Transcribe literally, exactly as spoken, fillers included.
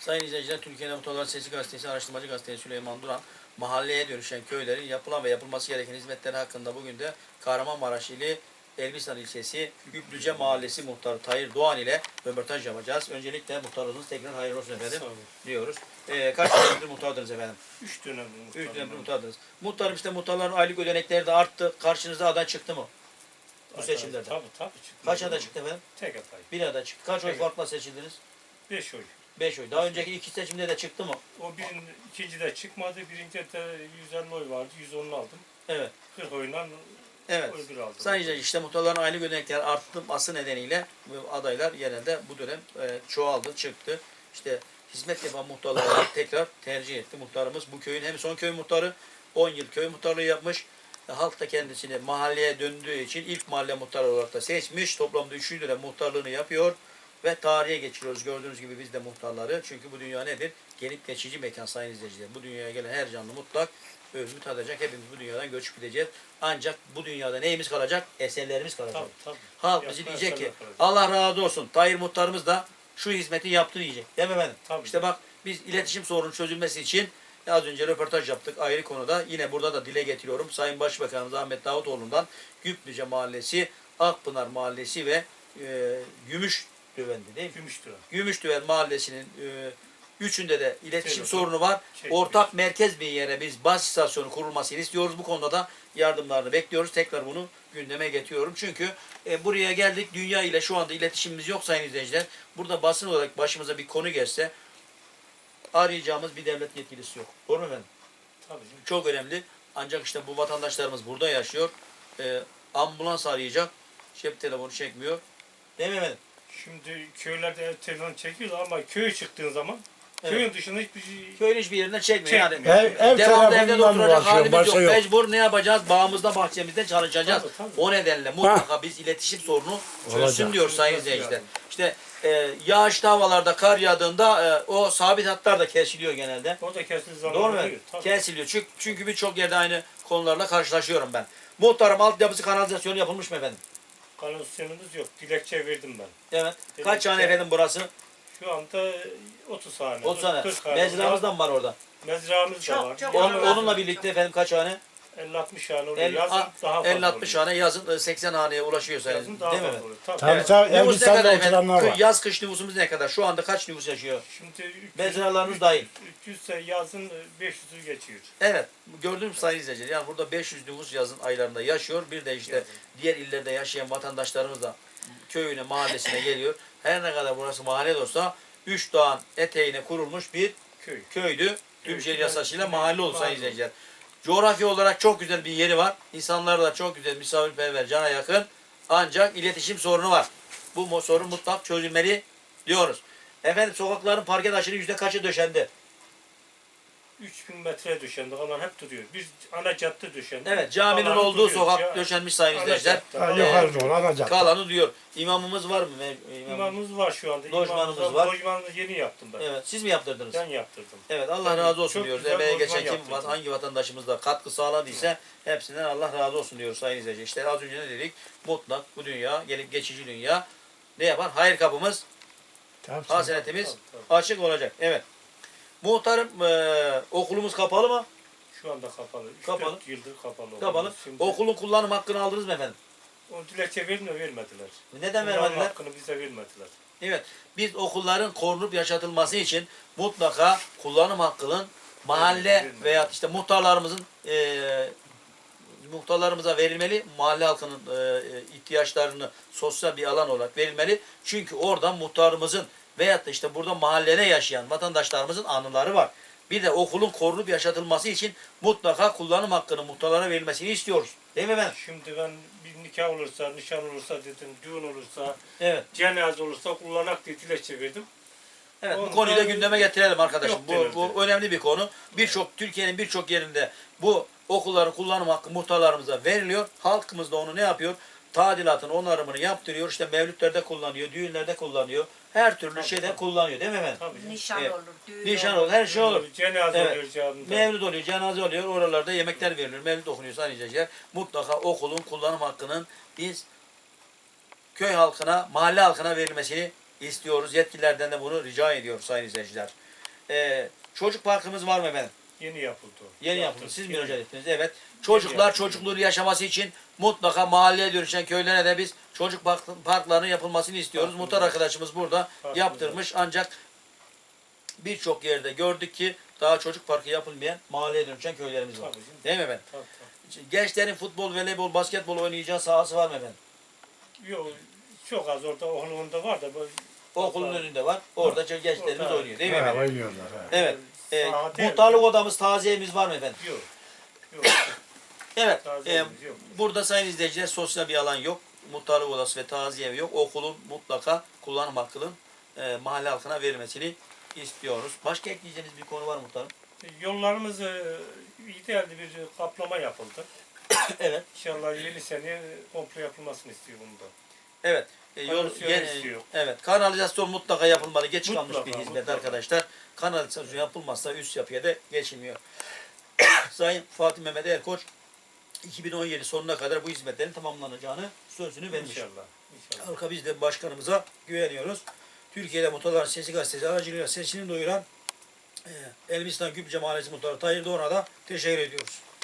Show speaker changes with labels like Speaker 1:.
Speaker 1: Sayın izleyiciler, Türkiye'de Muhtarlar Sesi Gazetesi, Araştırmacı Gazetesi Süleyman Duran, mahalleye dönüşen köylerin yapılan ve yapılması gereken hizmetleri hakkında bugün de Kahramanmaraş ili Elbistan ilçesi Güplüce Mahallesi Muhtarı Tayyir Doğan ile röportaj yapacağız. Öncelikle muhtarlığınız tekrar hayırlı olsun efendim diyoruz. Ee, kaç dönemdir muhtardınız efendim?
Speaker 2: Üç dönemdir muhtarım.
Speaker 1: Üç dönemdir muhtardınız. Muhtarım işte muhtarların aylık ödenekleri de arttı. Karşınıza aday çıktı mı? Bu seçimlerde.
Speaker 2: Tabii tabii çıktı.
Speaker 1: Kaç aday çıktı efendim?
Speaker 2: Tek aday.
Speaker 1: Bir aday çıktı. Kaç oy
Speaker 2: Evet.
Speaker 1: farkla seçildiniz?
Speaker 2: Beş oy.
Speaker 1: Beş oy. Daha önceki iki seçimde de çıktı mı?
Speaker 2: O birin, ikinci de çıkmadı. Birinci de yüz elli oy vardı. yüz onu aldım.
Speaker 1: Evet.
Speaker 2: kırk oyla
Speaker 1: Evet.
Speaker 2: oy bir aldım.
Speaker 1: Sadece işte muhtarların aylık ödenekleri artması nedeniyle bu adaylar genelde bu dönem e, çoğaldı, çıktı. İşte hizmet yapan muhtarları tekrar tercih etti. Muhtarımız bu köyün hem son köy muhtarı, on yıl köy muhtarlığı yapmış. E, halk da kendisini mahalleye döndüğü için ilk mahalle muhtarı olarak da seçmiş. Toplamda üçüncü dönem muhtarlığını yapıyor. Ve tarihe geçiriyoruz. Gördüğünüz gibi biz de muhtarları. Çünkü bu dünya nedir? Gelip geçici mekan sayın izleyiciler. Bu dünyaya gelen her canlı mutlak ölümü tadacak. Hepimiz bu dünyadan göçüp gideceğiz. Ancak bu dünyada neyimiz kalacak? Eserlerimiz kalacak.
Speaker 2: Tabii tabii.
Speaker 1: Halk bizi
Speaker 2: Yapma
Speaker 1: diyecek ki
Speaker 2: eserler kalacak.
Speaker 1: Allah razı olsun. Tayyir muhtarımız da şu hizmeti yaptı diyecek. Değil mi efendim?
Speaker 2: Tabii.
Speaker 1: İşte bak biz iletişim sorunun çözülmesi için az önce röportaj yaptık ayrı konuda. Yine burada da dile getiriyorum. Sayın Başbakanımız Ahmet Davutoğlu'ndan Güplüce Mahallesi, Akpınar Mahallesi ve e, Gümüş Düvendi değil mi?
Speaker 2: Gümüştü.
Speaker 1: Gümüşdüven Mahallesi'nin e, üçünde de iletişim
Speaker 2: Telefon,
Speaker 1: sorunu var.
Speaker 2: şey,
Speaker 1: Ortak merkez bir yere biz baz istasyonu kurulmasını istiyoruz. Bu konuda da yardımlarını bekliyoruz. Tekrar bunu gündeme getiriyorum. Çünkü e, buraya geldik. Dünya ile şu anda iletişimimiz yok sayın izleyiciler. Burada basın olarak başımıza bir konu gelse arayacağımız bir devlet yetkilisi yok. Doğru mu efendim?
Speaker 2: Tabii canım.
Speaker 1: Çok önemli. Ancak işte bu vatandaşlarımız burada yaşıyor. E, ambulans arayacak. Cep telefonu çekmiyor. Değil mi efendim?
Speaker 2: Şimdi köylerde telefon çekiyorlar ama köye çıktığın zaman
Speaker 1: Evet.
Speaker 2: köyün dışında hiçbir şey
Speaker 1: Köyün hiçbir yerinden çekmiyor. Yani
Speaker 2: Çekmiyor.
Speaker 3: Ev, ev
Speaker 1: devamlı evde de
Speaker 3: telefonundan
Speaker 1: oturacak
Speaker 3: uğraşıyor,
Speaker 1: halimiz yok.
Speaker 3: başka yok.
Speaker 1: Mecbur ne yapacağız? Bağımızda, bahçemizde çalışacağız.
Speaker 2: Tabii, tabii.
Speaker 1: O nedenle mutlaka biz iletişim sorunu çözsün
Speaker 3: Olacak.
Speaker 1: diyor sayın
Speaker 2: Çözülmesi
Speaker 1: izleyiciler.
Speaker 2: lazım.
Speaker 1: İşte e, yağışlı havalarda, kar yağdığında e, o sabit hatlar da kesiliyor genelde.
Speaker 2: orada kesildiği zaman
Speaker 1: Doğru mu?
Speaker 2: oluyor. Tabii.
Speaker 1: Kesiliyor. Çünkü, çünkü birçok yerde aynı konularla karşılaşıyorum ben. Muhtarım altyapısı kanalizasyonu yapılmış mı efendim?
Speaker 2: Kanalizasyonumuz yok. Dilekçe verdim ben.
Speaker 1: Evet.
Speaker 2: Dedim
Speaker 1: Kaç
Speaker 2: ki-
Speaker 1: hane efendim burası?
Speaker 2: Şu anda otuz hane.
Speaker 1: otuz hane.
Speaker 2: kırk hane.
Speaker 1: Mezramız da mı var orada?
Speaker 2: Mezramız da
Speaker 4: Çok,
Speaker 2: var.
Speaker 4: çok.
Speaker 1: Onun,
Speaker 4: Evet.
Speaker 1: onunla birlikte efendim kaç hane?
Speaker 2: elli altmış hane oluyor.
Speaker 1: elli
Speaker 2: Yazın daha fazla
Speaker 1: elli altmış
Speaker 2: oluyor.
Speaker 1: hane, yazın seksen haneye ulaşıyor sayın.
Speaker 2: Yazın daha
Speaker 1: Değil mi
Speaker 2: fazla
Speaker 1: efendim?
Speaker 2: oluyor. Tabii.
Speaker 3: Tabii
Speaker 1: Evet.
Speaker 3: tabii
Speaker 1: Nüfus ne
Speaker 3: Elbistan'da
Speaker 1: kadar efendim?
Speaker 3: oturanlar var.
Speaker 1: Yaz kış nüfusumuz ne kadar? Şu anda kaç nüfus yaşıyor?
Speaker 2: Şimdi üç yüz-
Speaker 1: Mezralarınız dahil.
Speaker 2: üç yüz ise yazın beş yüzü geçiyor.
Speaker 1: Evet. Gördüğünüz sayın izleyiciler. Yani burada beş yüz nüfus yazın aylarında yaşıyor. Bir de işte
Speaker 2: Yazın.
Speaker 1: diğer illerde yaşayan vatandaşlarımız da köyüne, mahallesine geliyor. Her ne kadar burası mahalle de olsa üç dağın eteğine kurulmuş bir
Speaker 2: Köy.
Speaker 1: köydü. Tüm şehir
Speaker 2: Evet.
Speaker 1: yasasıyla mahalle oldu sayın
Speaker 2: Mahalle.
Speaker 1: izleyiciler. Coğrafya olarak çok güzel bir yeri var. İnsanlar da çok güzel, misafirperver, cana yakın. Ancak iletişim sorunu var. Bu mo- sorun mutlak çözülmeli diyoruz. Efendim sokakların parke taşının yüzde kaçı döşendi?
Speaker 2: üç bin metre döşendi. Onlar hep duruyor. Bir ana cadde döşendi.
Speaker 1: Evet, caminin
Speaker 2: Kalanı
Speaker 1: olduğu
Speaker 2: duruyor.
Speaker 1: sokak
Speaker 2: Ya-
Speaker 1: döşenmiş sayın
Speaker 2: ana
Speaker 1: izleyiciler.
Speaker 2: cadde.
Speaker 3: Ha,
Speaker 2: Ana-
Speaker 3: yukarı doğru alacak.
Speaker 1: Kalanı diyor. İmamımız var mı? Me- imam-
Speaker 2: İmamımız var şu anda.
Speaker 1: Lojmanımız
Speaker 2: İmamımız
Speaker 1: var.
Speaker 2: Lojmanımızı yeni yaptım ben.
Speaker 1: Evet, siz mi yaptırdınız?
Speaker 2: Ben yaptırdım.
Speaker 1: Evet, Allah
Speaker 2: Ben
Speaker 1: razı olsun
Speaker 2: çok
Speaker 1: diyoruz.
Speaker 2: güzel
Speaker 1: Emeğe
Speaker 2: lojman
Speaker 1: geçen kim,
Speaker 2: yaptırdım.
Speaker 1: hangi vatandaşımız da katkı sağladıysa hepsinden Allah razı olsun diyoruz sayın izleyiciler. İşte az önce ne dedik? Mutlak bu dünya, gelip geçici dünya ne yapar? Hayır kapımız,
Speaker 3: Tabii,
Speaker 1: hasenetimiz
Speaker 2: Tabii, tabii.
Speaker 1: açık olacak. Evet. Muhtarım eee, okulumuz kapalı mı?
Speaker 2: Şu anda kapalı. üç
Speaker 1: Kapalı.
Speaker 2: dört yıldır kapalı.
Speaker 1: Kapalı.
Speaker 2: Şimdi
Speaker 1: Okulun kullanım hakkını aldınız mı efendim?
Speaker 2: o dilekçe verin de vermediler.
Speaker 1: Neden
Speaker 2: Kullanım
Speaker 1: vermediler?
Speaker 2: hakkını bize vermediler.
Speaker 1: Evet. Biz okulların korunup yaşatılması için mutlaka kullanım hakkının mahalle veya işte muhtarlarımızın eee muhtarlarımıza verilmeli. Mahalle halkının eee, ihtiyaçlarını sosyal bir alan olarak verilmeli. Çünkü oradan muhtarımızın veyahut da işte burada mahallede yaşayan vatandaşlarımızın anıları var. Bir de okulun korunup yaşatılması için mutlaka kullanım hakkının muhtarlara verilmesini istiyoruz. Değil mi efendim?
Speaker 2: Şimdi ben bir nikah olursa, nişan olursa dedim, düğün olursa,
Speaker 1: Evet.
Speaker 2: cenaze olursa kullanak diye dilekçe verdim.
Speaker 1: Evet, bu
Speaker 2: Onu
Speaker 1: konuyu da
Speaker 2: da-
Speaker 1: gündeme getirelim arkadaşım.
Speaker 2: Yok
Speaker 1: Bu,
Speaker 2: denirdi.
Speaker 1: bu önemli bir konu. Birçok Türkiye'nin birçok yerinde bu okulların kullanım hakkı muhtarlarımıza veriliyor. Halkımız da onu ne yapıyor? Tadilatını, onarımını yaptırıyor. İşte mevlütlerde kullanıyor, düğünlerde kullanıyor. Her türlü
Speaker 2: Tabii,
Speaker 1: şeyde
Speaker 2: tabii.
Speaker 1: kullanıyor değil mi efendim?
Speaker 2: Tabii. canım.
Speaker 4: Nişan
Speaker 1: Evet.
Speaker 4: olur, düğün
Speaker 1: Nişan
Speaker 4: olur.
Speaker 1: olur, her şey olur.
Speaker 2: Cenaze
Speaker 1: Evet.
Speaker 2: oluyor canında.
Speaker 1: Mevlüt oluyor, cenaze oluyor. Oralarda yemekler verilir, mevlüt okunuyor sayın izleyiciler. Mutlaka okulun kullanım hakkının biz köy halkına, mahalle halkına verilmesini istiyoruz. Yetkililerden de bunu rica ediyoruz sayın izleyiciler. e, çocuk parkımız var mı efendim?
Speaker 2: Yeni yapıldı o.
Speaker 1: Yeni
Speaker 2: Yaptık,
Speaker 1: yapıldı. Siz
Speaker 2: yeni.
Speaker 1: müracaat ettiniz. Evet. Çocuklar
Speaker 2: yapıldı.
Speaker 1: çocukluğunu yaşaması için mutlaka mahalleye dönüşen köylere de biz çocuk park- parklarının yapılmasını istiyoruz.
Speaker 2: Parkımız
Speaker 1: Muhtar
Speaker 2: var.
Speaker 1: arkadaşımız burada
Speaker 2: Parkımız
Speaker 1: yaptırmış ancak birçok yerde gördük ki daha çocuk parkı yapılmayan mahalleye dönüşen köylerimiz var.
Speaker 2: Tabii canım.
Speaker 1: Değil mi efendim?
Speaker 2: Tabii, tabii.
Speaker 1: Gençlerin futbol, voleybol, basketbol oynayacağı sahası var mı efendim?
Speaker 2: Yok, çok az orada okulunda var da böyle
Speaker 1: Okulun önünde var. Orada gençlerimiz
Speaker 2: Orada.
Speaker 1: oynuyor. Değil mi
Speaker 3: Ha,
Speaker 1: efendim?
Speaker 3: oynuyorlar. Ha.
Speaker 1: Evet. Ee,
Speaker 2: Saha değil.
Speaker 1: muhtarlık odamız, taziyemiz var mı efendim?
Speaker 2: Yok. Yok.
Speaker 1: Evet.
Speaker 2: Taze
Speaker 1: e,
Speaker 2: evimiz yok.
Speaker 1: burada sayın izleyiciler sosyal bir alan yok. Muhtarlık odası ve taziye evi yok. Okulun mutlaka kullanım hakkının e, mahalle halkına verilmesini istiyoruz. Başka ekleyeceğiniz bir konu var mı muhtarım?
Speaker 2: Yollarımız e, idealde bir kaplama yapıldı.
Speaker 1: Evet.
Speaker 2: İnşallah yeni sene komple yapılmasını istiyor bunda.
Speaker 1: Evet. E, yol,
Speaker 2: Kanalizasyon
Speaker 1: yeni-
Speaker 2: istiyor.
Speaker 1: evet. Kanalizasyon mutlaka yapılmalı. Geç kalmış
Speaker 2: Mutlaka,
Speaker 1: bir hizmet
Speaker 2: mutlaka.
Speaker 1: arkadaşlar. Kanalizasyon yapılmazsa üst yapıya da geçilmiyor. Sayın Fatih Mehmet Erkoç iki bin on yedi sonuna kadar bu hizmetlerin tamamlanacağını sözünü vermiş.
Speaker 2: İnşallah. İnşallah.
Speaker 1: Halka biz de başkanımıza güveniyoruz. Türkiye'de Muhtarların Sesi gazetesi aracılığıyla sesini duyuran e, Elbistan Güpçe Mahallesi Muhtarı Tayyip Doğan'a da teşekkür ediyoruz.